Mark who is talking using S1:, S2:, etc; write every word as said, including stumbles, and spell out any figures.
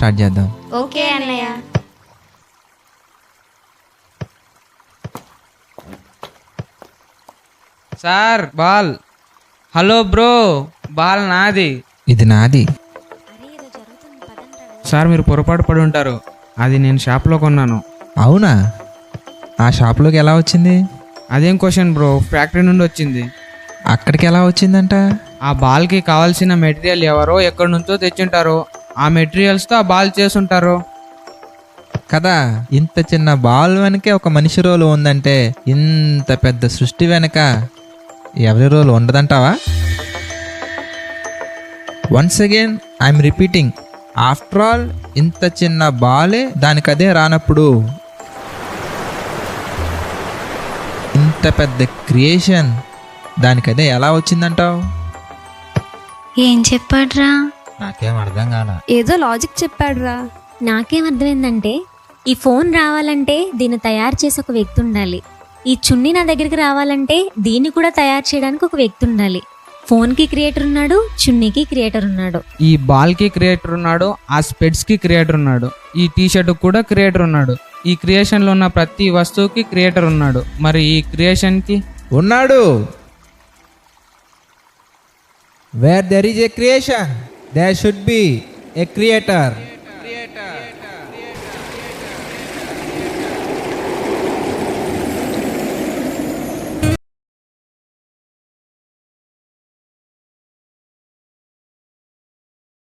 S1: Start చేద్దాం.
S2: Okay అన్నయ్య.
S3: Sir ball. Hello bro, ball నాది.
S1: ఇది నాది.
S3: సార్ మీరు పొరపాటు పడి ఉంటారు, అది నేను షాప్లో కొన్నాను.
S1: అవునా? ఆ షాప్లోకి ఎలా వచ్చింది?
S3: అదేం క్వశ్చన్ బ్రో, ఫ్యాక్టరీ నుండి వచ్చింది.
S1: అక్కడికి ఎలా వచ్చిందంట?
S3: ఆ బాల్కి కావాల్సిన మెటీరియల్ ఎవరో ఎక్కడి నుంచో తెచ్చుంటారు, ఆ మెటీరియల్స్తో ఆ బాల్ చేసుంటారు
S1: కదా. ఇంత చిన్న బాల్ వెనకే ఒక మనిషి రోలు ఉందంటే ఇంత పెద్ద సృష్టి వెనక ఎవరి రోలు ఉండదంటావా? Once again I'm repeating, after all ఇంత చిన్న బాలే దానికదే రానప్పుడు ఇంత పెద్ద క్రియేషన్ దానికదే ఎలా వచ్చిందంటావు?
S2: ఏం చెప్పాడ్రా?
S1: నాకేం అర్థం కాల.
S4: ఏదో లాజిక్ చెప్పాడురా.
S5: నాకేం అర్థమైందంటే, ఈ ఫోన్ రావాలంటే దీన్ని తయారు చేసి ఒక వ్యక్తి ఉండాలి, ఈ చున్నీ నా దగ్గరికి రావాలంటే దీన్ని కూడా తయారు చేయడానికి ఒక వ్యక్తి ఉండాలి. ఫోన్కి క్రియేటర్ ఉన్నాడు, చున్నీకి క్రియేటర్ ఉన్నాడు.
S3: ఈ బాల్కి క్రియేటర్ ఉన్నాడు, ఆ స్పెడ్స్కి క్రియేటర్ ఉన్నాడు, ఈ టీ షర్ట్ కూడా క్రియేటర్ ఉన్నాడు, ఈ క్రియేషన్లో ఉన్న ప్రతి వస్తువుకి క్రియేటర్ ఉన్నాడు. మరి ఈ క్రియేషన్కి
S1: ఉన్నాడు. Where there is a creation there should be a creator.